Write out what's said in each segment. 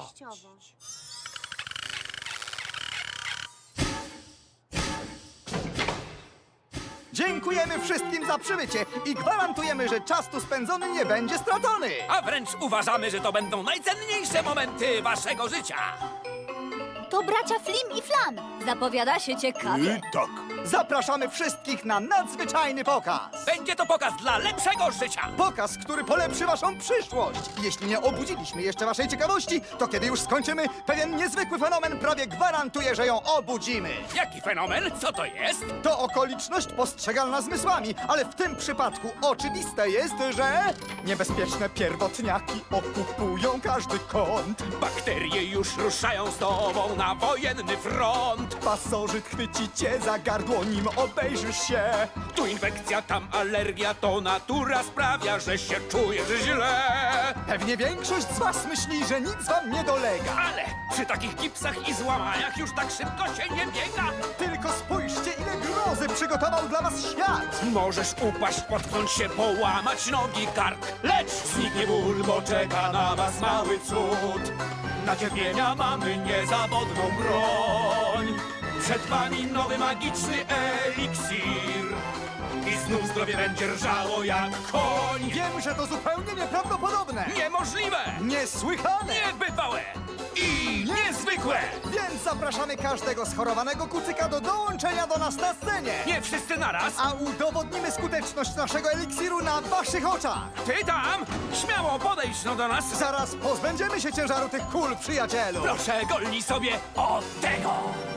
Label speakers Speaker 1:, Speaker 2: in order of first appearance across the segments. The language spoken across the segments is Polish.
Speaker 1: Dziękujemy wszystkim za przybycie i gwarantujemy, że czas tu spędzony nie będzie stracony.
Speaker 2: A wręcz uważamy, że to będą najcenniejsze momenty waszego życia.
Speaker 3: To bracia Flim i Flam. Zapowiada się ciekawie.
Speaker 4: Tak.
Speaker 1: Zapraszamy wszystkich na nadzwyczajny pokaz.
Speaker 2: Będzie to pokaz dla lepszego życia.
Speaker 1: Pokaz, który polepszy waszą przyszłość. Jeśli nie obudziliśmy jeszcze waszej ciekawości, to kiedy już skończymy, pewien niezwykły fenomen prawie gwarantuje, że ją obudzimy.
Speaker 2: Jaki fenomen? Co to jest?
Speaker 1: To okoliczność postrzegalna zmysłami, ale w tym przypadku oczywiste jest, że niebezpieczne pierwotniaki okupują każdy kąt.
Speaker 2: Bakterie już ruszają z tobą na wojenny front.
Speaker 1: Pasożyt chwyci cię za gardło, nim obejrzysz się.
Speaker 2: Tu infekcja, tam alergia, to natura sprawia, że się czujesz źle.
Speaker 1: Pewnie większość z was myśli, że nic wam nie dolega.
Speaker 2: Ale przy takich gipsach i złamaniach już tak szybko się nie biega.
Speaker 1: Tylko spójrzcie, ile grozy przygotował dla was świat.
Speaker 2: Możesz upaść, potknąć się, połamać nogi, kark. Lecz zniknie ból, bo czeka na was mały cud. Na cierpienia mamy niezawodną broń. Przed wami nowy magiczny eliksir. I znów zdrowie będzie rżało jak koń.
Speaker 1: Wiem, że to zupełnie nieprawdopodobne.
Speaker 2: Niemożliwe!
Speaker 1: Niesłychane.
Speaker 2: Niebywałe! I niezwykłe!
Speaker 1: Więc zapraszamy każdego schorowanego kucyka do dołączenia do nas na scenie.
Speaker 2: Nie wszyscy naraz!
Speaker 1: A udowodnimy skuteczność naszego eliksiru na waszych oczach.
Speaker 2: Ty tam! Śmiało podejdź no do nas!
Speaker 1: Zaraz pozbędziemy się ciężaru tych kul, przyjacielu.
Speaker 2: Proszę, golnij sobie od tego!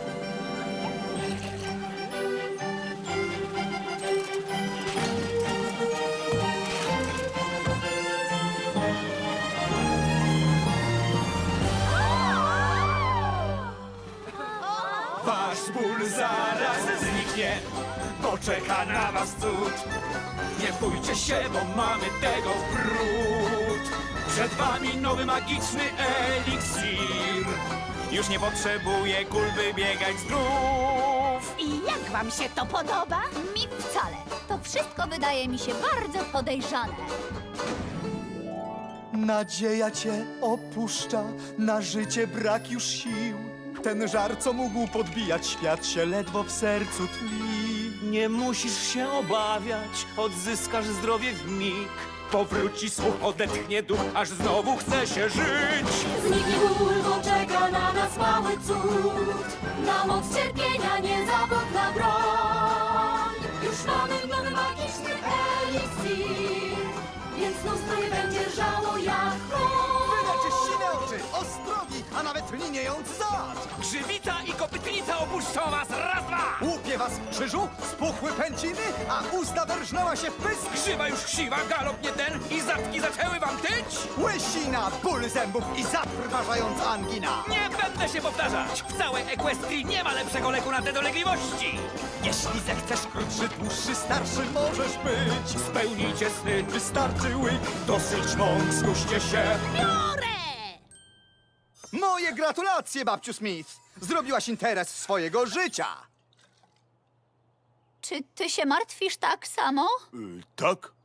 Speaker 2: Wasz ból zaraz zniknie, bo czeka na was cud. Nie bójcie się, bo mamy tego wrót. Przed wami nowy magiczny eliksir. Już nie potrzebuje kul, by biegać zdrów.
Speaker 5: I jak wam się to podoba?
Speaker 3: Mi wcale. To wszystko wydaje mi się bardzo podejrzane.
Speaker 1: Nadzieja cię opuszcza, na życie brak już sił. Ten żar, co mógł podbijać świat, się ledwo w sercu tli.
Speaker 2: Nie musisz się obawiać, odzyskasz zdrowie w mig. Powróci słuch, odetchnie duch, aż znowu chce się żyć.
Speaker 6: Zniknie ból, bo czeka na nas mały cud. Na moc cierpienia niezawodna broń. Już mamy nowy magiczny eliksir, więc znów zdrowie będzie żało jak koń.
Speaker 1: Wyleczy sine oczy, ostrogi, a nawet liniejący zad.
Speaker 2: Grzywica i kopytnica opuszczą was, raz, dwa!
Speaker 1: Łupie was w krzyżu, spuchły pęciny, a usta wyrżnęła się w pysk.
Speaker 2: Grzywa już chciwa, galop nie ten i zatki zaczęły wam tyć?
Speaker 1: Łysina, ból zębów i zatrważająca angina.
Speaker 2: Nie będę się powtarzać! W całej Equestrii nie ma lepszego leku na te dolegliwości!
Speaker 1: Jeśli zechcesz krótszy, dłuższy, starszy możesz być.
Speaker 2: Spełnijcie sny,
Speaker 1: Wystarczy łyk.
Speaker 2: dosyć mąk, skuście się!
Speaker 1: Moje gratulacje, babciu Smith. Zrobiłaś interes swojego życia.
Speaker 3: Czy ty się martwisz tak samo?
Speaker 4: Tak?